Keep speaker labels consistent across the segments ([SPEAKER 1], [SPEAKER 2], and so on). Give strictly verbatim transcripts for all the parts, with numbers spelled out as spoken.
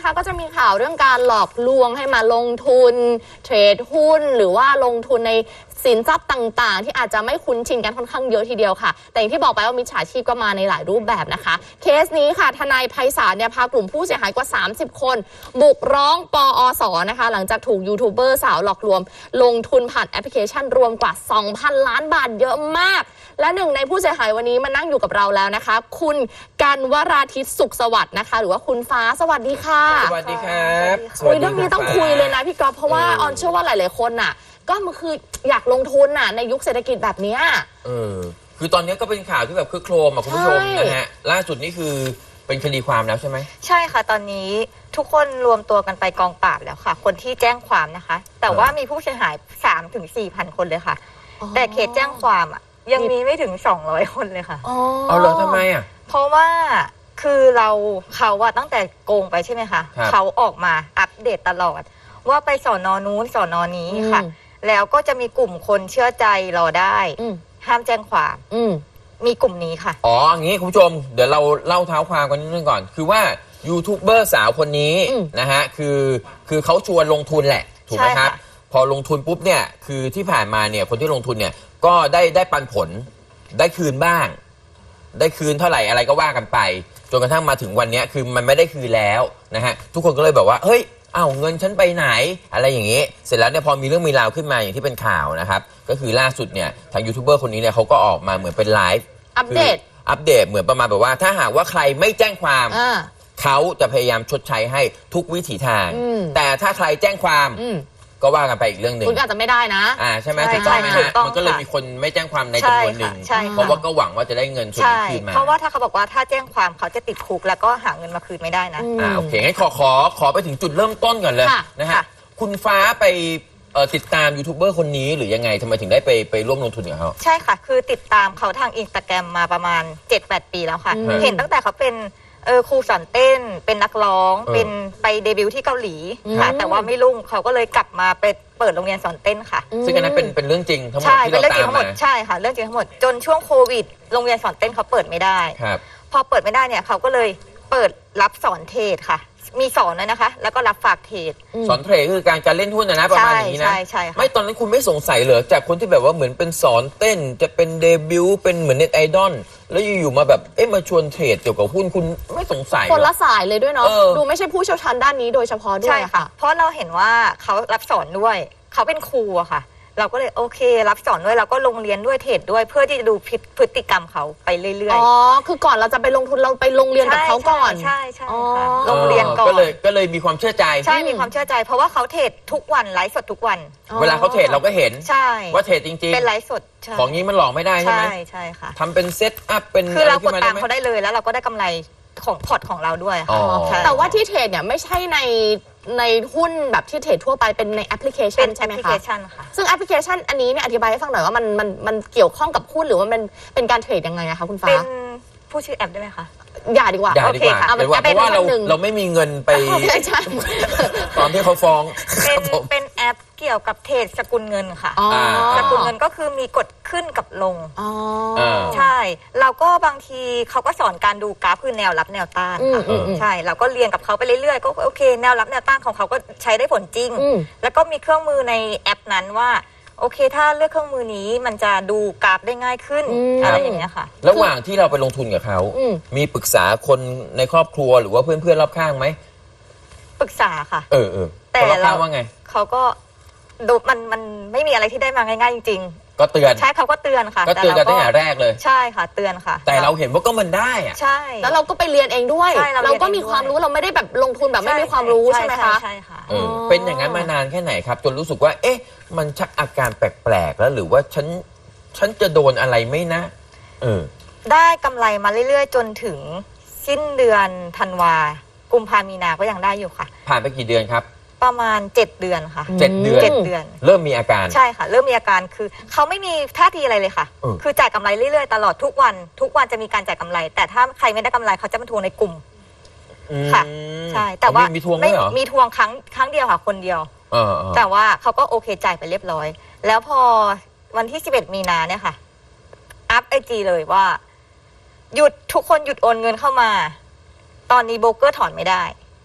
[SPEAKER 1] นะคะก็จะมีข่าวเรื่องการหลอกลวงให้มาลงทุนเทรดหุ้นหรือว่าลงทุนในสินทรัพย์ต่างๆที่อาจจะไม่คุ้นชินกันค่อนข้างเยอะทีเดียวค่ะแต่อย่างที่บอกไปว่ามิจฉาชีพก็มาในหลายรูปแบบนะคะเคสนี้ค่ะทนายไพศาลเนี่ยพากลุ่มผู้เสียหายกว่าสามสิบคนบุกร้องปอสนะคะหลังจากถูกยูทูบเบอร์สาวหลอกลวงลงทุนผ่านแอปพลิเคชันรวมกว่า สองพัน ล้านบาทเยอะมากและหนึ่งในผู้เสียหายวันนี้มานั่งอยู่กับเราแล้วนะคะคุณกันวราทิตสุขสวัสดิ์นะคะหรือว่าคุณฟ้าสวัสดีค่ะ
[SPEAKER 2] สวัสดีครับ
[SPEAKER 1] คุยเรื่องนี้ต้องคุยเลยนะพี่ก๊อฟเพราะว่าออนเชื่อว่าหลายๆคนน่ะก็มันคืออยากลงทุนน่ะในยุคเศรษฐกิจแบบนี้
[SPEAKER 2] เออคือตอนนี้ก็เป็นข่าวที่แบบคือโครมอ่ะคุณผู้ชมนะฮะล่าสุดนี่คือเป็นคดีความแล้วใช่ไหม
[SPEAKER 3] ใช่ค่ะตอนนี้ทุกคนรวมตัวกันไปกองปราบแล้วค่ะคนที่แจ้งความนะคะแต่ว่ามีผู้เสียหาย สามถึงสี่พัน คนเลยค่ะแต่เขตแจ้งความอ่ะยังมีไม่ถึงสองร้อยคนเลยค่ะ
[SPEAKER 2] อ๋อเอาเหรอทำไมอ่ะ
[SPEAKER 3] เพราะว่าคือเราเขาอะตั้งแต่โกงไปใช่ไหมคะเขาออกมาอัปเดตตลอดว่าไปสอนอนู้นสอนอนี้ค่ะแล้วก็จะมีกลุ่มคนเชื่อใจรอได้ห้ามแจ้งความมีกลุ่มนี้ค่ะ
[SPEAKER 2] อ๋ออย่างนี้คุณผู้ชมเดี๋ยวเราเล่าเท้าความกันนิดนึงก่อนคือว่ายูทูบเบอร์สาวคนนี้นะฮะคือคือเขาชวนลงทุนแหละถูกไหมครับพอลงทุนปุ๊บเนี่ยคือที่ผ่านมาเนี่ยคนที่ลงทุนเนี่ยก็ได้ได้ปันผลได้คืนบ้างได้คืนเท่าไหร่อะไรก็ว่ากันไปจนกระทั่งมาถึงวันนี้คือมันไม่ได้คืนแล้วนะฮะทุกคนก็เลยแบบว่าเฮ้ยอ้าวเงินฉันไปไหนอะไรอย่างนี้เสร็จแล้วเนี่ยพอมีเรื่องมีราวขึ้นมาอย่างที่เป็นข่าวนะครับก็คือล่าสุดเนี่ยทางยูทูบเบอร์คนนี้เนี่ยเขาก็ออกมาเหมือนเป็นไลฟ์
[SPEAKER 1] อัปเดต
[SPEAKER 2] อัปเดตเหมือนประมาณแบบว่าถ้าหากว่าใครไม่แจ้งความเขาจะพยายามชดใช้ให้ทุกวิถีทางแต่ถ้าใครแจ้งความก็ว่ากันไปอีกเรื่องหนึ่ง
[SPEAKER 1] คุณอาจจะไม่ได้นะ
[SPEAKER 2] อ่าใช่ไหมถูกต้องไหมฮะมันก็เลยมีคนไม่แจ้งความในจำนวนหนึ่งเพราะว่าก็หวังว่าจะได้เงินส่วนนี้คืนมา
[SPEAKER 3] เพราะว่าถ้าเขาบอกว่าถ้าแจ้งความเขาจะติดคุกแล้วก็หาเงินมาคืนไม่ได้นะ
[SPEAKER 2] อ่าโอเคงั้นขอขอขอไปถึงจุดเริ่มต้นก่อนเลยนะฮะคุณฟ้าไปติดตามยูทูบเบอร์คนนี้หรือยังไงทำไมถึงได้ไปไปร่วมลงทุนกับเขา
[SPEAKER 3] ใช่ค่ะคือติดตามเขาทางอินสตาแกรมมาประมาณ เจ็ดแปด ปีแล้วค่ะเห็นตั้งแต่เขาเป็นเออครูสอนเต้นเป็นนักร้องเป็นไปเดบิวต์ที่เกาหลีค่ะแต่ว่าไม่รุ่งเขาก็เลยกลับมาไปเปิดโรงเรียนสอนเต้นค่ะ
[SPEAKER 2] ซึ่งอันนั้นเป็นเป็นเรื่องจริงทั้งหมดที่เราตามมา
[SPEAKER 3] ใช่ค่ะเรื่องจริงทั้งหมดจนช่วงโควิดโรงเรียนสอนเต้นเขาเปิดไม่ได้พอเปิดไม่ได้เนี่ยเขาก็เลยเปิดรับสอนเทรดค่ะมีสอนเลยนะคะแล้วก็รับฝากเทรด
[SPEAKER 2] สอนเทรดคือการการเล่นหุ้นนะนะประมาณนี้นะ
[SPEAKER 3] ใช่ใช่
[SPEAKER 2] ไม่ตอนนั้นคุณไม่สงสัยเหรอจากคนที่แบบว่าเหมือนเป็นสอนเต้นจะเป็นเดบิวต์เป็นเหมือนเน็ตไอดอลแล้วอยู่ๆมาแบบเอ๊ะมาชวนเทรดเกี่ยวกับหุ้นคุณไม่สงสัย
[SPEAKER 1] คนละสายเลยด้วยเนาะดูไม่ใช่ผู้เชี่ยวชาญด้านนี้โดยเฉพาะด้วยค่ะ
[SPEAKER 3] เพราะเราเห็นว่าเขารับสอนด้วยเขาเป็นครูอะค่ะเราก็เลยโอเครับสอนด้วยเราก็ลงเรียนด้วยเทรดด้วยเพื่อที่จะดูพฤติกรรมเขาไปเรื่อยๆ
[SPEAKER 1] อ๋อคือก่อนเราจะไปลงทุนเราไปลงเรียนกับเขาก่อน
[SPEAKER 3] ใช่ใช่ค่ะลงเรียนก่อน
[SPEAKER 2] ก็เลยก็เลยมีความเชื่อใจ
[SPEAKER 3] ใช่มีความเชื่อใจเพราะว่าเขาเทรดทุกวันไลฟ์สดทุกวัน
[SPEAKER 2] เวลาเขาเทรดเราก็เห็น
[SPEAKER 3] ใช่
[SPEAKER 2] ว่าเทรดจริงๆ
[SPEAKER 3] เป็นไลฟ์สด
[SPEAKER 2] ของนี้มันหลอกไม่ได้ใช่ไหม
[SPEAKER 3] ใช่ใช่ค่ะ
[SPEAKER 2] ทำเป็นเซตอัพเป็น
[SPEAKER 3] คือเรากดตามเขาได้เลยแล้วเราก็ได้กำไรของพอร์ตของเราด้วยค่ะ
[SPEAKER 1] แต่ว่าที่เทรดเนี่ยไม่ใช่ในในหุ้นแบบที่เทรดทั่วไปเป็นในแอปพลิเคชันใช่ไหมคะ
[SPEAKER 3] แอปพลิเคชันค่ะ
[SPEAKER 1] ซึ่งแอปพลิเคชันอันนี้เนี่ยอธิบายให้ฟังหน่อยว่ามันมันมันเกี่ยวข้องกับหุ้นหรือว่ามันเป็นการเทรดยังไงอะคะคุณฟ้า
[SPEAKER 3] เป็นผู้ชื่อแอปได้ไหมคะ
[SPEAKER 1] อย่าดีกว่า
[SPEAKER 2] อย่าดีกว่าเพราะว่าเราเราไม่มีเงินไปตอนที่เขาฟ้อง
[SPEAKER 3] เป็นเป็นแอปเกี่ยวกับเทรดสกุลเงินค่ะสกุลเงินก็คือมีกดขึ้นกับลงใช่เราก็บางทีเขาก็สอนการดูกราฟคือแนวรับแนวต้านค่ะใช่เราก็เรียนกับเขาไปเรื่อยๆก็โอเคแนวรับแนวต้านของเขาก็ใช้ได้ผลจริงแล้วก็มีเครื่องมือในแอปนั้นว่าโอเคถ้าเลือกเครื่องมือนี้มันจะดูกราฟได้ง่ายขึ้นอะไรอย่างเงี้ยค่ะ
[SPEAKER 2] ระหว่างที่เราไปลงทุนกับเขามีปรึกษาคนในครอบครัวหรือว่าเพื่อนๆรอบข้างไหม
[SPEAKER 3] ปรึกษาค่ะ
[SPEAKER 2] เออเออแต่เราว่าไง
[SPEAKER 3] เขาก็ดูมันมันไม่มีอะไรที่ได้มาง่ายๆจริงๆ
[SPEAKER 2] ก็เตือน
[SPEAKER 3] ใช่เขาก็เตือนค่ะ
[SPEAKER 2] ก็เตือนกันตั้งแต่แรกเลย
[SPEAKER 3] ใช่ค่ะเตือนค่ะ
[SPEAKER 2] แต่เราเห็นว่าก็มันได้อะ
[SPEAKER 3] ใช่
[SPEAKER 1] แล้วเราก็ไปเรียนเองด้วยเราก็มีความรู้เราไม่ได้แบบลงทุนแบบไม่มีความรู้ใช่ไหมคะ
[SPEAKER 3] ใช่ค่ะ
[SPEAKER 2] เออเป็นอย่างนั้นมานานแค่ไหนครับจนรู้สึกว่าเอ๊ะมันชักอาการแปลกๆแล้วหรือว่าฉันฉันจะโดนอะไรไหมนะเออ
[SPEAKER 3] ได้กำไรมาเรื่อยๆจนถึงสิ้นเดือนธันวากุมภามีนาก็ยังได้อยู่ค่ะ
[SPEAKER 2] ผ่านไปกี่เดือนครับ
[SPEAKER 3] ประมาณเจ็ดเดือนค่ะ
[SPEAKER 2] เจ็ดเดือน
[SPEAKER 3] เจ็ดเดือน
[SPEAKER 2] เริ่มมีอาการ
[SPEAKER 3] ใช่ค่ะเริ่มมีอาการคือเขาไม่มีท่าทีอะไรเลยค่ะคือจ่ายกำไรเรื่อยๆตลอดทุกวันทุกวันจะมีการจ่ายกำไรแต่ถ้าใครไม่ได้กำไรเขาจะมาทวงในกลุ่มค่ะใช่แต่ว่า
[SPEAKER 2] มีทวงไหมเหรอ
[SPEAKER 3] มีทวงครั้งครั้งเดียวค่ะคนเดียวแต่ว่าเขาก็โอเคจ่ายไปเรียบร้อยแล้วพอวันที่สิบเอ็ดมีนาเนี่ยค่ะอัพไอจีเลยว่าหยุดทุกคนหยุดโอนเงินเข้ามาตอนนี้โบรกเกอร์ถอนไม่ได้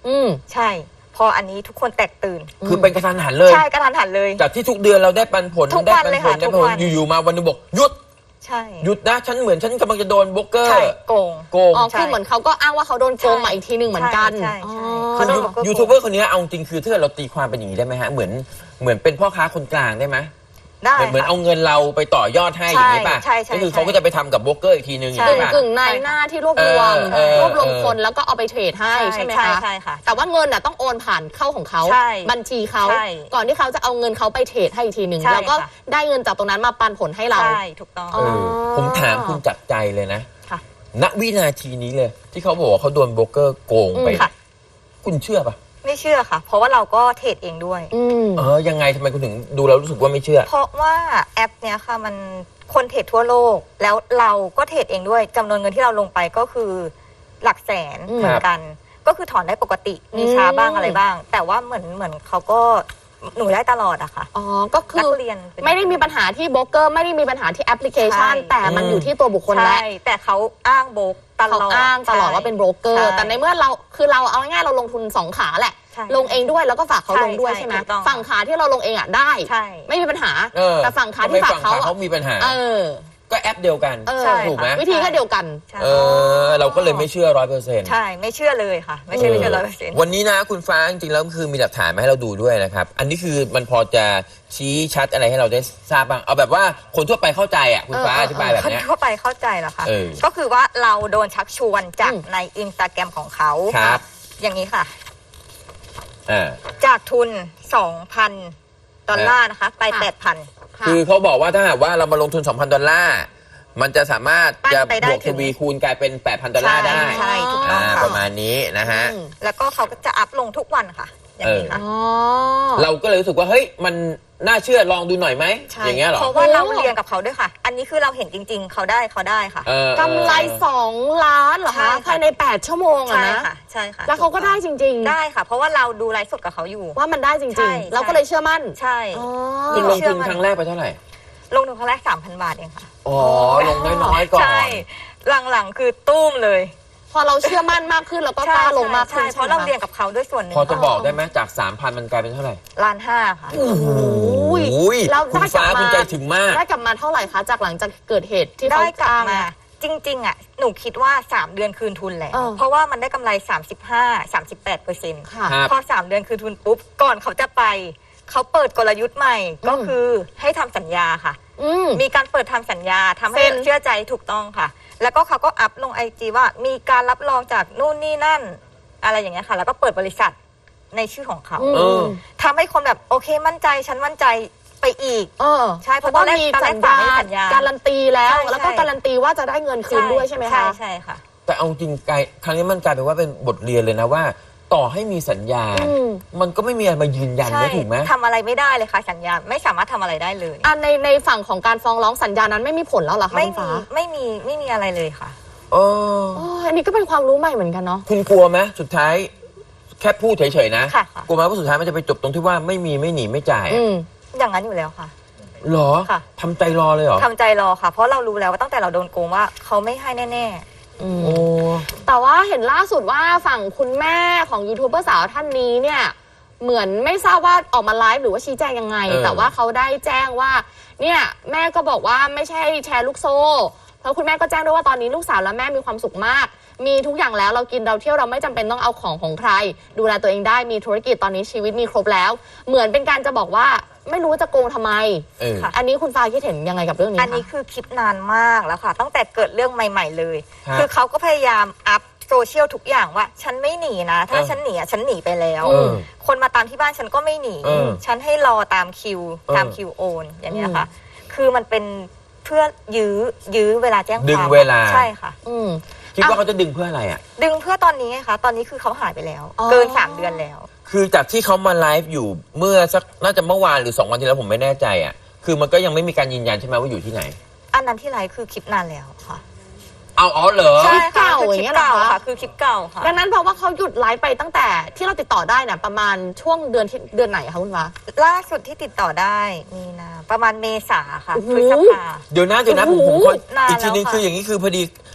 [SPEAKER 3] อืมใช่พออันนี้ทุกคนแตกตื่น
[SPEAKER 2] คือเป็นกระทันหันเลย
[SPEAKER 3] ใช่กระทันหันเลย
[SPEAKER 2] จากที่ทุกเดือนเราได้ปันผล
[SPEAKER 3] ได้ปันผล
[SPEAKER 2] ได้ปันผลอยู่ๆมาวันนึงบอกหยุด
[SPEAKER 3] ใช่
[SPEAKER 2] หยุดนะฉันเหมือนฉันกำลังจะโดนโบรกเกอร์
[SPEAKER 3] โกง
[SPEAKER 2] โกง
[SPEAKER 1] อ๋อคือเหมือนเขาก็อ้างว่าเขาโดนโกงมาอีกทีหนึ่งเหมือนกัน
[SPEAKER 3] ใช่ใช่
[SPEAKER 2] เขาโดนยูทูบเบอร์คนนี้เอาจริงคือถ้าเราตีความเป็นอย่างนี้ได้ไหมฮะเหมือนเหมือนเป็นพ่อค้าคนกลางได้ไหม
[SPEAKER 3] ได้
[SPEAKER 2] เหมือนเอาเงินเราไปต่อยอดให้อย่างนี้ป่ะก็คือเขาก็จะไปทำกับโบรกเกอร์อีกทีนึงอย่างนี้ป่ะ
[SPEAKER 1] กึ่งนายหน้าที่รวบรวมรวบรวมคนแล้วก็เอาไปเทรดให้ใช่ไหมคะ
[SPEAKER 3] ใช่ค่ะ
[SPEAKER 1] แต่ว่าเงินน่ะต้องโอนผ่านเข้าของเขาบัญชีเขาก่อนที่เขาจะเอาเงินเขาไปเทรดให้อีกทีหนึ่งแล้วก็ได้เงินจากตรงนั้นมาปันผลให้เรา
[SPEAKER 3] ใช่ถูกต้อง
[SPEAKER 2] ผมถามคุณจับใจเลยนะณวินาทีนี้เลยที่เขาบอกว่าเขาโดนโบรกเกอร์โกงไปคุณเชื่อป่ะ
[SPEAKER 3] ไม่เชื่อค่ะเพราะว่าเราก็เทรดเองด้วย
[SPEAKER 2] เออยังไงทำไมคุณถึงดูแล้วรู้สึกว่าไม่เชื่อ
[SPEAKER 3] เพราะว่าแอปเนี้ยค่ะมันคนเทรดทั่วโลกแล้วเราก็เทรดเองด้วยจำนวนเงินที่เราลงไปก็คือหลักแสนเหมือนกันก็คือถอนได้ปกติมีช้าบ้างอะไรบ้างแต่ว่าเหมือนเหมือนเขาก็หนูได้ตลอดอะค่ะ
[SPEAKER 1] อ๋อก็คือ
[SPEAKER 3] เรียน
[SPEAKER 1] ไม่ได้มีปัญหาที่โบรกเกอร์ไม่ได้มีปัญหาที่แอปพลิเคชันแต่มันอยู่ที่ตัวบุคคลแล้ว
[SPEAKER 3] แต่เขาอ้างโบรกตลอด
[SPEAKER 1] เขาอ้างตลอดว่าเป็นโบรกเกอร์แต่ในเมื่อเราคือเราเอาง่ายๆเราลงทุนสองขาแหละลงเองด้วยแล้วก็ฝากเขาลงด้วยใช่ไหมฝั่งขาที่เราลงเองอ่ะได้ไม่มีปัญหาแต่ฝั่งขาที่ฝากเขา
[SPEAKER 2] เขามีปัญหา
[SPEAKER 1] เออ
[SPEAKER 2] ก็แอปเดียวกันถูกไหม
[SPEAKER 1] วิธีก็เดียวกัน
[SPEAKER 2] เออเราก็เลยไม่เชื่อร้อยเปอร์เซ็นต์
[SPEAKER 3] ใช่ไม่เชื่อเลยค่ะไม่เชื่อไม่เชื่อร้อยเปอร์เซ็นต์
[SPEAKER 2] วันนี้นะคุณฟ้าจริงๆแล้วคือมีหลักฐานมาให้เราดูด้วยนะครับอันนี้คือมันพอจะชี้ชัดอะไรให้เราได้ทราบบ้างเอาแบบว่าคนทั่วไปเข้าใจอ่ะคุณฟ้าอธิบายแบบนี้
[SPEAKER 3] คนทั่วไปเข้าใจเหรอคะก็คือว่าเราโดนชักชวนจากในอินสตาแกรมของเขา
[SPEAKER 2] ครับ
[SPEAKER 3] อย่างนี้ค่ะจากทุน สองพัน ดอลลาร์นะคะไป แปดพัน
[SPEAKER 2] คือเขาบอกว่าถ้าหากว่าเรามาลงทุน สองพัน ดอลลาร์มันจะสามารถจะบวกทวีคูณกลายเป็น แปดพัน ดอลลาร์ได้
[SPEAKER 3] ใช่ถูกต้องค่ะ
[SPEAKER 2] ประมาณนี้นะฮะ
[SPEAKER 3] แล้วก็เขาก็จะอัพลงทุกวันค่ะอย่างนี้ค่ะ
[SPEAKER 2] เราก็เลยรู้สึกว่าเฮ้ยมันน่าเชื่อลองดูหน่อยไหมอย่างเงี้ยหรอ
[SPEAKER 3] เพราะว่าเราเรียนกับเขาด้วยค่ะอันนี้คือเราเห็นจริงๆเขาได้เขาได้ค่ะ
[SPEAKER 1] กำไรสองล้านเหรอคะภายในแปดชั่วโมงอะนะ
[SPEAKER 3] ใช่ค่ะ
[SPEAKER 1] แล้วเขาก็ได้จริง
[SPEAKER 3] ๆได้ค่ะเพราะว่าเราดูไลฟ์สดกับเขาอยู่
[SPEAKER 1] ว่ามันได้จริงๆเราก็เลยเชื่อมั่น
[SPEAKER 3] ใช่
[SPEAKER 2] คุณลงทุนครั้งแรกไปเท่าไหร่
[SPEAKER 3] ลงทุนครั้งแรก สามพัน บาทเองค่ะ
[SPEAKER 2] อ๋อลงน้อยๆก่อน
[SPEAKER 3] ใช่หลังๆคือตุ้มเลย
[SPEAKER 1] พอเราเชื่อมั่นมากขึ้นแล้วก็กล้าลงมากขึ้น
[SPEAKER 3] เพราะเราเรียนกับเขาด้วยส่วนหนึ่ง
[SPEAKER 2] พอจะบอกได้ไหมจาก สามพัน มันกลายเป็นเท่าไหร่
[SPEAKER 3] ล้านห้าค่ะ
[SPEAKER 2] โอ้โหแล้วได้กลับมาคุณใจถึงมาก
[SPEAKER 1] ได้กลับมาเท่าไหร่คะจากหลังจากเกิดเหตุที่
[SPEAKER 3] ได้กลับมาจริงๆอ่ะหนูคิดว่าสามเดือนคืนทุนแล้วเพราะว่ามันได้กำไร สามสิบห้า สามสิบแปดเปอร์เซ็นต์ ค่ะพอสามเดือนคืนทุนปุ๊บก่อนเขาจะไปเขาเปิดกลยุทธ์ใหม่ก็คือให้ทำสัญญาค่ะมีการเปิดทำสัญญาทำให้เชื่อใจถูกต้องค่ะแล้วก็เขาก็อัพลงไอจีว่ามีการรับรองจากนู่นนี่นั่นอะไรอย่างเงี้ยค่ะแล้วก็เปิดบริษัทในชื่อของเขาทำให้คนแบบโอเคมั่นใจฉันมั่นใจไปอีกใช่เพราะตอนแรกตอนแรกสัญญา
[SPEAKER 1] การันตีแล้วแล้วก็การันตีว่าจะได้เงินคืนด้วยใช่ไหมคะ
[SPEAKER 3] ใช่ค่ะ
[SPEAKER 2] แต่เอาจริงกายครั้งนี้มันกลายเป็นว่าเป็นบทเรียนเลยนะว่าต่อให้มีสัญญามันก็ไม่มีอะไรมายืนยันได้ถูกไหม
[SPEAKER 3] ทำอะไรไม่ได้เลยค่ะสัญญาไม่สามารถทำอะไรได้เลย
[SPEAKER 1] อ่ะในในฝั่งของการฟ้องร้องสัญญานั้นไม่มีผลแล้วเหรอคะ
[SPEAKER 3] ไม่มีไม่มีไม่มีอะไรเลยค่ะ
[SPEAKER 2] เออ
[SPEAKER 1] อันนี้ก็เป็นความรู้ใหม่เหมือนกันเนาะ
[SPEAKER 2] คุณกลัวไหมสุดท้ายแค่พูดเฉยๆนะกลัวไหมว่าสุดท้ายมันจะไปจบตรงที่ว่าไม่มีไม่หนีไม่จ่าย
[SPEAKER 3] อย่างนั้นอยู่แล้วค่ะ
[SPEAKER 2] หรอทำใจรอเลยเหรอ
[SPEAKER 3] ทำใจรอค่ะเพราะเรารู้แล้วว่าตั้งแต่เราโดนโกงว่าเขาไม่ให้แน่
[SPEAKER 1] โอ้แต่ว่าเห็นล่าสุดว่าฝั่งคุณแม่ของยูทูบเบอร์สาวท่านนี้เนี่ยเหมือนไม่ทราบว่าออกมาไลฟ์หรือว่าชี้แจงยังไงแต่ว่าเขาได้แจ้งว่าเนี่ยแม่ก็บอกว่าไม่ใช่แชร์ลูกโซ่เพราะคุณแม่ก็แจ้งด้วยว่าตอนนี้ลูกสาวและแม่มีความสุขมากมีทุกอย่างแล้วเรากินเราเที่ยวเราไม่จำเป็นต้องเอาของของใครดูแลตัวเองได้มีธุรกิจตอนนี้ชีวิตมีครบแล้วเหมือนเป็นการจะบอกว่าไม่รู้จะโกงทำไมอันนี้คุณฟ้าคิดเห็นยังไงกับเรื่องนี้
[SPEAKER 3] อันนี้คือคลิปนานมากแล้วค่ะตั้งแต่เกิดเรื่องใหม่ๆเลยคือเขาก็พยายามอัพโซเชียลทุกอย่างว่าฉันไม่หนีนะถ้าฉันหนีฉันหนีไปแล้วคนมาตามที่บ้านฉันก็ไม่หนีฉันให้รอตามคิวตามคิวโอนอย่างนี้ค่ะคือมันเป็นเพื่อยื้อยื้อเวลาแจ้งความ
[SPEAKER 2] ดึงเวลา
[SPEAKER 3] ใช่ค่ะ
[SPEAKER 2] คิดว่าเขาจะดึงเพื่ออะไรอ่ะ
[SPEAKER 3] ดึงเพื่อตอนนี้ไงคะตอนนี้คือเขาหายไปแล้วเกินสามเดือนแล้ว
[SPEAKER 2] คือจากที่เขามาไลฟ์อยู่เมื่อสักน่าจะเมื่อวานหรือสองวันที่แล้วผมไม่แน่ใจอ่ะคือมันก็ยังไม่มีการยืนยันใช่ไหมว่าอยู่ที่ไหน
[SPEAKER 3] อันนั้นที่ไลฟ์คือคลิปนานแล้วค่ะ
[SPEAKER 2] เอาอ๋อเหรอ
[SPEAKER 3] ใช่ค่ะคือคลิปเก่าค่ะคือคลิปเก่าค่ะ
[SPEAKER 1] ดังนั้นเพราะว่าเขาหยุดไลฟ์ไปตั้งแต่ที่เราติดต่อได้น่ะประมาณช่วงเดือนที่เดือนไหนคะคุณฟ้า
[SPEAKER 3] ล่าสุดที่ติดต่อได้มีนาประมาณเมษาค่ะพฤษภา
[SPEAKER 2] เดี๋ยวนะเดี๋ยวนะผมผมอีกทีนึงคืออย่างนี้คือพอดี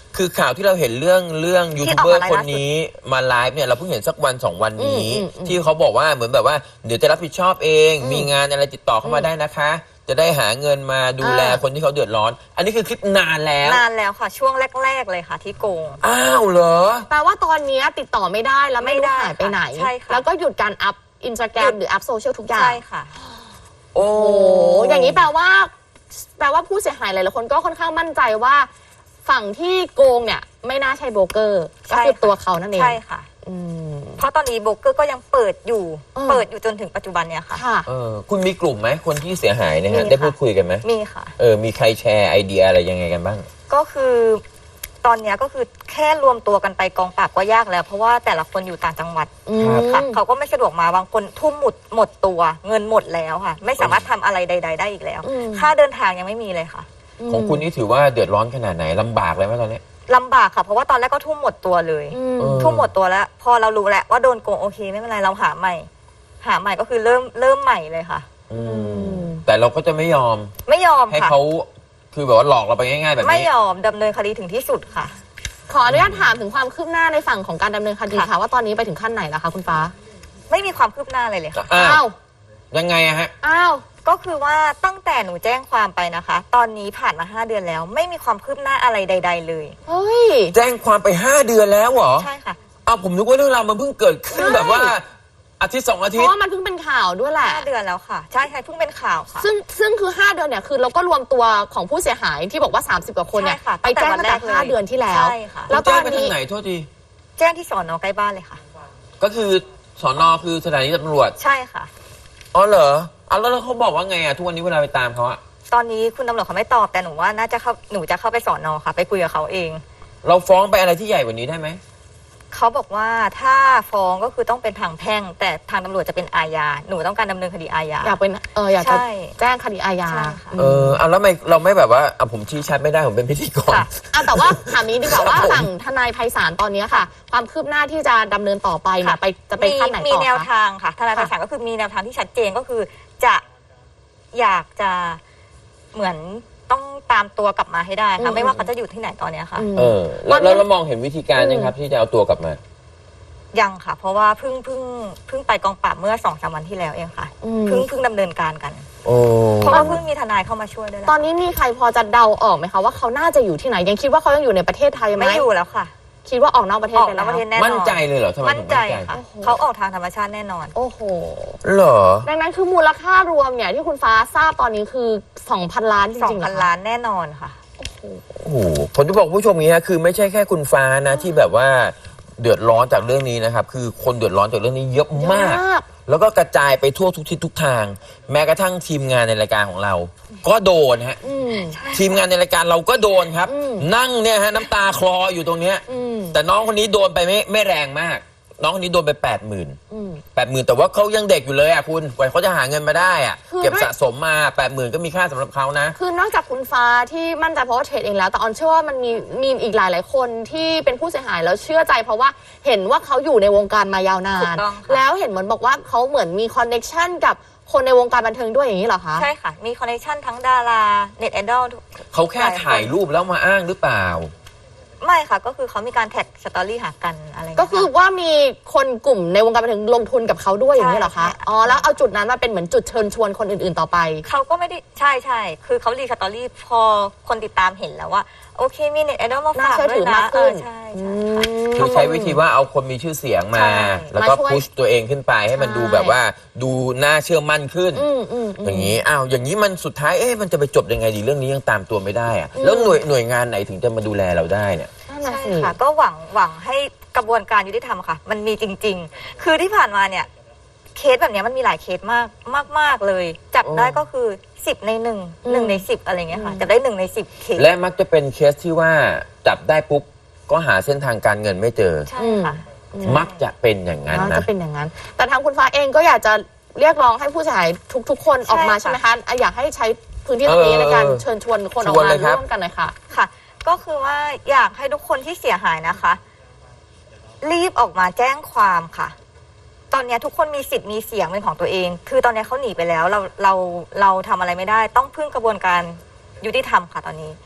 [SPEAKER 2] คือข่าวที่เราเห็นเรื่องเรื่องยู
[SPEAKER 3] ที่
[SPEAKER 2] ทูบเบอร์
[SPEAKER 3] ออกมา
[SPEAKER 2] คนนี้มาไลฟ์เนี่ยเราเพิ่งเห็นสักวันสองวันนี้
[SPEAKER 1] อืมอืมอืม
[SPEAKER 2] ที่เขาบอกว่าเหมือนแบบว่าเดี๋ยวจะรับผิดชอบเอง
[SPEAKER 1] อืม
[SPEAKER 2] มีงานอะไรติดต่อเข้ามาได้นะคะ จะได้หาเงินมาดูแล
[SPEAKER 1] อ่า
[SPEAKER 2] คนที่เขาเดือดร้อน อันนี้คือคลิปนานแล้ว
[SPEAKER 3] นานแล้วค่ะ ช่วงแรก ๆ เลยค่ะ ที่โกง
[SPEAKER 2] อ้าวเหรอ
[SPEAKER 1] แปลว่าตอนนี้ติดต่อไม่ได้แล้วไม่
[SPEAKER 3] ไม่
[SPEAKER 1] รู้
[SPEAKER 3] ได้
[SPEAKER 1] หายไปไหน
[SPEAKER 3] ใช่ค่ะ
[SPEAKER 1] แล้วก็หยุดการอัพอินสตาแกร
[SPEAKER 3] หยุ
[SPEAKER 1] ม
[SPEAKER 3] ด
[SPEAKER 1] หรืออัพโซเชียลทุกอย่าง
[SPEAKER 3] ใช่ค่ะ
[SPEAKER 2] โอ้
[SPEAKER 1] โอ้อย่างนี้แปลว่า แปลว่าผู้เสียหายหลายๆคนก็ค่อนข้างมั่นใจว่า ฝั่งที่โกงเนี่ยไม่น่าใช่โบรกเกอร์ ก็
[SPEAKER 3] ใช่
[SPEAKER 1] คือ
[SPEAKER 3] ค่ะ
[SPEAKER 1] ตัวเขานั่นเอง
[SPEAKER 3] ใช่ค่ะ
[SPEAKER 1] อืม
[SPEAKER 3] เพราะตอนนี้โบรกเกอร์ก็ยังเปิดอยู่
[SPEAKER 1] อืม
[SPEAKER 3] เปิดอยู่จนถึงปัจจุบันเนี่ยค่ะ
[SPEAKER 1] ค่ะ
[SPEAKER 2] เออคุณมีกลุ่มไหมคนที่เสียหายเนี่ยฮะ
[SPEAKER 3] มีค่ะ
[SPEAKER 2] ได้พูดคุยกันไหม
[SPEAKER 3] มีค่ะ
[SPEAKER 2] เออมีใครแชร์ไอเดียอะไรยังไงกันบ้าง
[SPEAKER 3] ก็คือตอนเนี้ยก็คือแค่รวมตัวกันไปกองปราบก็ยากแล้ว เพราะว่าแต่ละคนอยู่ต่างจังหวัด
[SPEAKER 1] อืม
[SPEAKER 2] ครับ
[SPEAKER 3] ค่ะเขาก็ไม่สะดวกมาบางคนทุ่มหมดหมดตัว เงินหมดแล้วค่ะ ไม่สามารถทำอะไรใด ๆ ได้อีกแล้ว
[SPEAKER 1] อืม
[SPEAKER 3] ค่าเดินทางยังไม่มีเลยค่ะ
[SPEAKER 2] ของคุณนี่ถือว่าเดือดร้อนขนาดไหนลำบากเลยไหมตอนนี้
[SPEAKER 3] ลำบากค่ะ เพราะว่าตอนแรกก็ทุ่มหมดตัวเลย
[SPEAKER 1] อืม
[SPEAKER 2] เออ
[SPEAKER 3] ทุ่มหมดตัวแล้ว พอเรารู้แล้วว่าโดนโกงโอเคไม่เป็นไรเราหาใหม่ หาใหม่ก็คือเริ่มเริ่มใหม่เลยค่ะ
[SPEAKER 2] อืมแต่เราก็จะไม่ยอม
[SPEAKER 3] ไม่ยอม
[SPEAKER 2] ให้
[SPEAKER 3] ค่ะ
[SPEAKER 2] เขาคือแบบว่าหลอกเราไปง่ายๆแบบ
[SPEAKER 3] ไม่
[SPEAKER 2] นี้
[SPEAKER 3] ยอมดำเนินคดีถึงที่สุดค่ะ
[SPEAKER 1] ขออนุญาตถามถึงความคืบหน้าในฝั่งของการดำเนินคดี
[SPEAKER 3] ค่ะ
[SPEAKER 1] ค่ะ ว่าตอนนี้ไปถึงขั้นไหนแล้วคะคุณฟ้า
[SPEAKER 3] ไม่มีความคืบหน้าอะไรเลยค่ะ
[SPEAKER 2] อ้า
[SPEAKER 1] อ้าว ว
[SPEAKER 2] ยังไงอะฮะ
[SPEAKER 1] อ้าว
[SPEAKER 3] ก็คือว่าตั้งแต่หนูแจ้งความไปนะคะ ตอนนี้ผ่านมาห้าเดือนแล้ว ไม่มีความคืบหน้าอะไรใด ๆ เลย
[SPEAKER 1] เฮ้ย
[SPEAKER 2] แจ้งความไปห้าเดือนแล้วเหรอ
[SPEAKER 3] ใช่ค่ะ
[SPEAKER 2] อ้าวผมนึกว่าเรื่องราวมันเพิ่งเกิดขึ้น
[SPEAKER 1] ใช่
[SPEAKER 2] แบบว่าอาทิตย์สองอา
[SPEAKER 1] เพ
[SPEAKER 2] ทิต
[SPEAKER 1] ราะ
[SPEAKER 2] ย์
[SPEAKER 1] ว่ามันเพิ่งเป็นข่าวด้วยแหละ
[SPEAKER 3] ห้าเดือนแล้วค่ะ ใช่ใช่เพิ่งเป็นข่าวค่ะ
[SPEAKER 1] ซึ่งซึ่งคือ ห้า เดือนเนี่ยคือเราก็รวมตัวของผู้เสียหายที่บอกว่า สามสิบ กว่าคนเนี่ย
[SPEAKER 3] ใช่ค่ะ
[SPEAKER 1] ไปแจ้ง
[SPEAKER 3] ตั้
[SPEAKER 1] ตั้
[SPEAKER 3] ง
[SPEAKER 1] ง
[SPEAKER 3] แต่
[SPEAKER 1] แต่
[SPEAKER 3] วันแรกเลย
[SPEAKER 1] ห้าเดือนที่แล้ว
[SPEAKER 3] ใช่ค่ะ
[SPEAKER 1] แล้วต
[SPEAKER 2] แจ้
[SPEAKER 1] อง น
[SPEAKER 2] ไปทา
[SPEAKER 1] นี้
[SPEAKER 2] งไหนโทษที
[SPEAKER 3] แจ้งที่สอนอใกล้บ้านเลยค่ะ
[SPEAKER 2] ก็คือสอนอคือสถานีตำรวจ
[SPEAKER 3] ใช่ค่ะ
[SPEAKER 2] อ๋อเหรออ่ะแล้วเขาบอกว่าไงอะทุกวันนี้เวลาไปตามเขาอะ
[SPEAKER 3] ตอนนี้คุณตำรวจเขาไม่ตอบแต่หนูว่าน่าจะเข้าหนูจะเข้าไปสอนอค่ะ ไปคุยกับเขาเอง
[SPEAKER 2] เราฟ้องไปอะไรที่ใหญ่กว่านี้ได้ไหม
[SPEAKER 3] เขาบอกว่าถ้าฟ้องก็คือต้องเป็นทางแพ่ง แต่ทางตำรวจจะเป็นอาญาหนูต้องการดำเนินคดีอาญา
[SPEAKER 1] อยากเป็นเอออยากจะ
[SPEAKER 3] ใช่
[SPEAKER 1] แจ้งคดีอาญา
[SPEAKER 3] ใช่ค่ะ
[SPEAKER 2] เออเอาแล้วทำไมเราไม่แบบว่าอ่ะผมชี้ชัดไม่ได้ผมเป็นพิธีกร
[SPEAKER 3] ค่ะ
[SPEAKER 1] อ่ะแต่ว่าถามนี้ดีกว่าว่าฝั่งทนายไพศาลตอนนี้ค่ะ ความคืบหน้าที่จะดำเนินต่อไปเนี่ยไปจะไปขั้นไหน
[SPEAKER 3] มี
[SPEAKER 1] ต่อ
[SPEAKER 3] แนว
[SPEAKER 1] คะ
[SPEAKER 3] ทางค่ะทนาย
[SPEAKER 1] ค่ะ
[SPEAKER 3] ภาษาก็คือมีแนวทางที่ชัดเจนก็คือจะอยากจะเหมือนต้องตามตัวกลับมาให้ได้
[SPEAKER 1] อื
[SPEAKER 3] ค่ะ
[SPEAKER 1] ม
[SPEAKER 3] ไม่ว่าเขาจะอยู่ที่ไหนตอนเนี้ยค่ะ
[SPEAKER 1] อืม
[SPEAKER 2] เออแล้ว
[SPEAKER 1] วันนี้
[SPEAKER 2] แล้วเรามองเห็นวิธีการยังครับ ที่จะเอาตัวกลับมา
[SPEAKER 3] ยังค่ะ เพราะว่าเพิ่งเพิ่งเพิ่งไปกองปราบเมื่อสองสามวันที่แล้วเองค่ะ
[SPEAKER 1] อืม
[SPEAKER 3] เพิ่งเพิ่งดำเนินการกัน
[SPEAKER 2] โอ้
[SPEAKER 3] เพราะว่าเพิ่งมีทนายเข้ามาช่วยด้วยแหละ
[SPEAKER 1] ตอนนี้มีใครพอจะเดาออกไหมคะว่าเขาน่าจะอยู่ที่ไหนยังคิดว่าเขายังอยู่ในประเทศไทยไหม
[SPEAKER 3] ไม่อยู่แล้วค่ะ
[SPEAKER 1] คิดว่าออกนอกประเทศ
[SPEAKER 3] ออก
[SPEAKER 1] ไป
[SPEAKER 3] น
[SPEAKER 1] แล้
[SPEAKER 3] อก
[SPEAKER 1] ว
[SPEAKER 3] ประเทศแน่นอน
[SPEAKER 2] มั่นใจเลยเหรอทำไม
[SPEAKER 3] มั่น
[SPEAKER 2] ถึง
[SPEAKER 3] ใจ
[SPEAKER 2] มั่นใจ
[SPEAKER 3] ค่ะ
[SPEAKER 1] โอ้โห
[SPEAKER 3] เขาออกทางธรรมชาติแน่นอน
[SPEAKER 1] โอ้โห
[SPEAKER 2] เหรอ
[SPEAKER 1] ดังนั้นคือมูลค่ารวมเนี่ยที่คุณฟ้าทราบตอนนี้คือ สองพัน ล้านจ
[SPEAKER 3] สอง
[SPEAKER 1] ริงๆเหร
[SPEAKER 3] พัน
[SPEAKER 1] อคะ
[SPEAKER 3] ล้านแน่นอนค่ะ
[SPEAKER 2] โอ้โหผมจะบอกผู้ชมอย่างนี้ฮะคือไม่ใช่แค่คุณฟ้านะที่แบบว่าเดือดร้อนจากเรื่องนี้นะครับ คือคนเดือดร้อนจากเรื่องนี้เยอะมาก
[SPEAKER 1] เยอะมาก
[SPEAKER 2] แล้วก็กระจายไปทั่วทุกทิศทุกทาง แม้กระทั่งทีมงานในรายการของเรา ก็โดนฮะ
[SPEAKER 1] อืม
[SPEAKER 2] ทีมงานในรายการเราก็โดนครับ
[SPEAKER 1] อืม
[SPEAKER 2] นั่งเนี่ยฮะน้ำตาคลออยู่ตรงเนี้ย
[SPEAKER 1] อืม
[SPEAKER 2] แต่น้องคนนี้โดนไปไม่ไม่แรงมาก น้องคนนี้โดนไปแปดหมื่น
[SPEAKER 1] อืม
[SPEAKER 2] แปดหมื่นแต่ว่าเขายังเด็กอยู่เลยอ่ะคุณกว่าเขาจะหาเงินมาได้อ่ะ
[SPEAKER 1] คือ
[SPEAKER 2] เก็บสะสมมาแปดหมื่นก็มีค่าสำหรับเขานะ
[SPEAKER 1] คือนอกจากคุณฟ้าที่มั่นใจเพราะว่าเทรดเองแล้ว แต่ออนเชื่อว่ามันมีมีอีกหลายหลายๆคนที่เป็นผู้เสียหายแล้วเชื่อใจ เพราะว่าเห็นว่าเขาอยู่ในวงการมายาวนาน
[SPEAKER 3] ถูกต้องค่ะ
[SPEAKER 1] แล้วเห็นเหมือนบอกว่าเขาเหมือนมีคอนเน็ชันกับคนในวงการบันเทิงด้วยอย่างนี้เหรอคะ
[SPEAKER 3] ใช่ค่ะ มีคอนเนคชั่นทั้งดาราเน็ตไอดอล
[SPEAKER 2] เขาแค่ถ่ายรูปแล้วมาอ้างหรือเปล่า
[SPEAKER 3] ไม่ค่ะ ก็คือเขามีการแท็กสตอรี่หากันอะไรย่าง
[SPEAKER 1] ก็
[SPEAKER 3] เงี้ย
[SPEAKER 1] คือว่ามีคนกลุ่มในวงการบันเทิงลงทุนกับเขาด้วยอย่างนี้เหรอคะ
[SPEAKER 3] ใช่ค่ะ
[SPEAKER 1] อ๋อแล้วเอาจุดนั้นมาเป็นเหมือนจุดเชิญชวนคนอื่นๆต่อไป
[SPEAKER 3] เขาก็ไม่ได้ใช่ใช่คือเขารีสตอรี่พอคนติดตามเห็นแล้วว่า โอเคมีเน็ตไอดอลมาฝาก
[SPEAKER 1] น่าเชื่อ
[SPEAKER 3] ด้
[SPEAKER 1] ถื
[SPEAKER 3] วย
[SPEAKER 1] อ
[SPEAKER 3] นะ
[SPEAKER 1] มากขึ้น
[SPEAKER 3] เออใช่
[SPEAKER 1] อื
[SPEAKER 3] ใช่
[SPEAKER 1] ม
[SPEAKER 2] คือใช้วิธีว่าเอาคนมีชื่อเสียงมา
[SPEAKER 3] ใช่
[SPEAKER 2] แล้วก็
[SPEAKER 1] มาช่วย
[SPEAKER 2] พุชตัวเองขึ้นไปให้มัน
[SPEAKER 1] ใช่
[SPEAKER 2] ดูแบบว่าดูน่าเชื่อมั่นขึ้น
[SPEAKER 1] อืมอืมม
[SPEAKER 2] อย่างนี้อ้าวอย่างนี้มันสุดท้ายเอ๊ะมันจะไปจบยังไงดีเรื่องนี้ยังตามตัวไม่ได้อะแล้วหน่วยหน่วยงานไหนถึงจะมาดูแลเราได้เนี่ย
[SPEAKER 1] นั่นน่ะ
[SPEAKER 3] ใช่
[SPEAKER 1] สิ
[SPEAKER 3] ค่ะ ก็หวังหวังให้กระบวนการยุติธรรมค่ะ มันมีจริง ๆ คือที่ผ่านมาเนี่ย เคสแบบเนี้ยมันมีหลายเคสมากมากมากเลย จับได้ก็คือสิบในหนึ่งหนึ่งในสิบอะไรเงี้ยค่ะจับได้หนึ่งในสิบเคส
[SPEAKER 2] และมักจะเป็นเคสที่ว่าจับได้ปุ๊บก็หาเส้นทางการเงินไม่เจอ
[SPEAKER 3] ใช่ค่ะ
[SPEAKER 2] มักจะเป็นอย่างนั้น
[SPEAKER 1] น่า
[SPEAKER 2] นะ
[SPEAKER 1] จะเป็นอย่างนั้น แต่ทางคุณฟ้าเองก็อยากจะเรียกร้องให้ผู้เสียหายทุกๆ คนออกมา
[SPEAKER 3] ใช่
[SPEAKER 1] ใช่ไหม
[SPEAKER 3] ค่ะ
[SPEAKER 1] คะอ่ะอยากให้ใช้พื้นที่ตรงนี้
[SPEAKER 2] เออ
[SPEAKER 1] ในการเชิญชวนคนออก
[SPEAKER 2] ชวน
[SPEAKER 1] มา
[SPEAKER 2] เลยครับ
[SPEAKER 1] ร่วมกันหน่อยค่ะ
[SPEAKER 3] ค่ะ ก็คือว่าอยากให้ทุกคนที่เสียหายนะคะ รีบออกมาแจ้งความค่ะ ตอนเนี้ยทุกคนมีสิทธิ์มีเสียงเป็นของตัวเอง คือตอนเนี้ยเขาหนีไปแล้ว เราเราเราทำอะไรไม่ได้ ต้องพึ่งกระบวนการยุติธรรมค่ะตอนนี้
[SPEAKER 1] อืม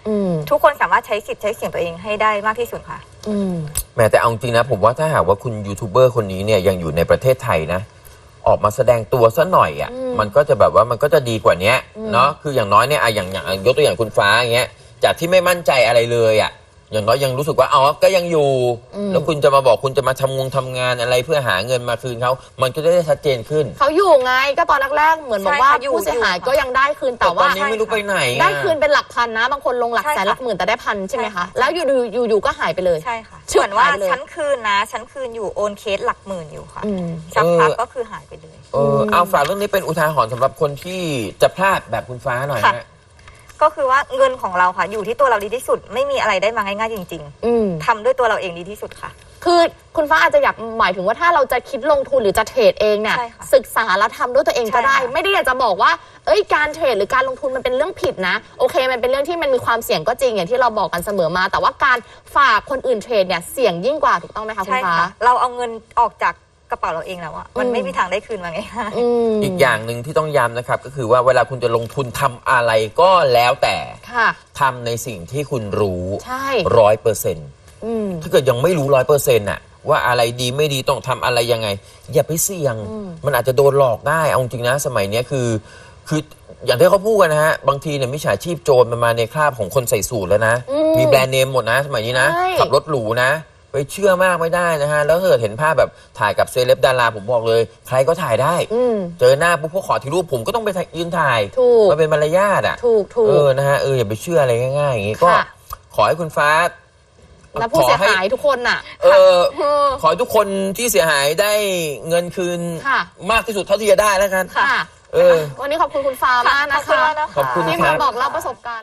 [SPEAKER 3] ทุกคนสามารถใช้สิทธิ์ใช้เสียงตัวเองให้ได้มากที่สุดค่ะ
[SPEAKER 2] แม้แต่เอาจริงนะผมว่าถ้าหากว่าคุณยูทูบเบอร์คนนี้เนี่ยยังอยู่ในประเทศไทยนะออกมาแสดงตัวซะหน่อยอ่ะมันก็จะแบบว่ามันก็จะดีกว่านี้เนาะคืออย่างน้อยเนี่ยอะอย่างอย่างยกตัวอย่างคุณฟ้าอย่างเงี้ยจากที่ไม่มั่นใจอะไรเลยอ่ะอย่างน้อยยังรู้สึกว่าอ๋อก็ยังอยู่แล้วคุณจะมาบอกคุณจะมาทำงงทำงานอะไรเพื่อหาเงินมาคืนเขามันก็จะได้ชัดเจนขึ้น
[SPEAKER 1] เขาอยู่ไงก็ตอนแรกๆเหมือนบอกว่าผู้เสียหายก็ยังได้คืนแต่ว่า
[SPEAKER 2] ตอนนี้ไม่รู้ไปไหน
[SPEAKER 1] ได้คืนเป็นหลักพันนะบางคนลงหลักแสนหลักหมื่นแต่ได้พันใช่ไหมคะแล้วอยู่อยู่อยู่ก็หายไปเลย
[SPEAKER 3] ใช่ค่ะเหมือนว่าฉันคืนนะฉันคืนอยู่โอนเคสหลักหมื่นอยู่ค่ะสักพักก็คือหายไปเลย
[SPEAKER 2] เออเอาฝากเรื่องนี้เป็นอุทาหรณ์สำหรับคนที่จะพลาดแบบคุณฟ้าหน่อยนะ
[SPEAKER 3] ก็คือว่าเงินของเราค่ะอยู่ที่ตัวเราดีที่สุดไม่มีอะไรได้มาง่ายๆจริงๆทำด้วยตัวเราเองดีที่สุดค่ะ
[SPEAKER 1] คือคุณฟ้าอาจจะอยากหมายถึงว่าถ้าเราจะคิดลงทุนหรือจะเทรดเองเนี่ยศึกษาแล้วทำด้วยตัวเองก็ได้ไม่ได้อยากจะบอกว่าเอ้ยการเทรดหรือการลงทุนมันเป็นเรื่องผิดนะโอเคมันเป็นเรื่องที่มันมีความเสี่ยงก็จริงอย่างที่เราบอกกันเสมอมาแต่ว่าการฝากคนอื่นเทรดเนี่ยเสี่ยงยิ่งกว่าถูกต้องไหมคะคุณฟ้า
[SPEAKER 3] เราเอาเงินออกจากกระเป๋าเราเองแล้วอะมันไม่มีทางได้คืนมาไงคะ
[SPEAKER 2] อีกอย่างหนึ่งที่ต้องย้ำนะครับก็คือว่าเวลาคุณจะลงทุนทำอะไรก็แล้วแต่ทำในสิ่งที่คุณรู้ร้อยเปอร์เซ็นต์ถ้าเกิดยังไม่รู้ร้อยเปอร์เซ็นต์อะว่าอะไรดีไม่ดีต้องทำอะไรยังไงอย่าไปเสี่ยงมันอาจจะโดนหลอกได้เอาจริงนะสมัยนี้คือคืออย่างที่เขาพูดกันนะฮะบางทีเนี่ยมิจฉาชีพโจรมันมาในคราบของคนใส่สูทแล้วนะมีแบรนด์เนมหมดนะสมัยนี้นะขับรถหรูนะไปเชื่อมากไม่ได้นะฮะแล้วเกิดเห็นภาพแบบถ่ายกับเซเลบดาราผมบอกเลยใครก็ถ่ายได้เจอหน้าปุ๊บพวกขอถ่ายรูปผมก็ต้องไปยืนถ่ายมันเป็นมารยาทอ่ะ
[SPEAKER 1] ถูกถูก
[SPEAKER 2] เออนะฮะเอออย่าไปเชื่ออะไรง่ายๆอย่างงี้ก็ขอให้คุณฟ้า
[SPEAKER 1] และผู้เสียหายทุกคนน่ะ
[SPEAKER 2] เออขอให้ทุกคนที่เสียหายได้เงินคืนมากที่สุดเท่าที่จะได้แล้วกัน
[SPEAKER 1] เออวันนี้ขอบคุณคุณฟ้ามากนะคะ
[SPEAKER 2] ขอบคุณ
[SPEAKER 1] ที่มาบอกเล่าประสบการณ์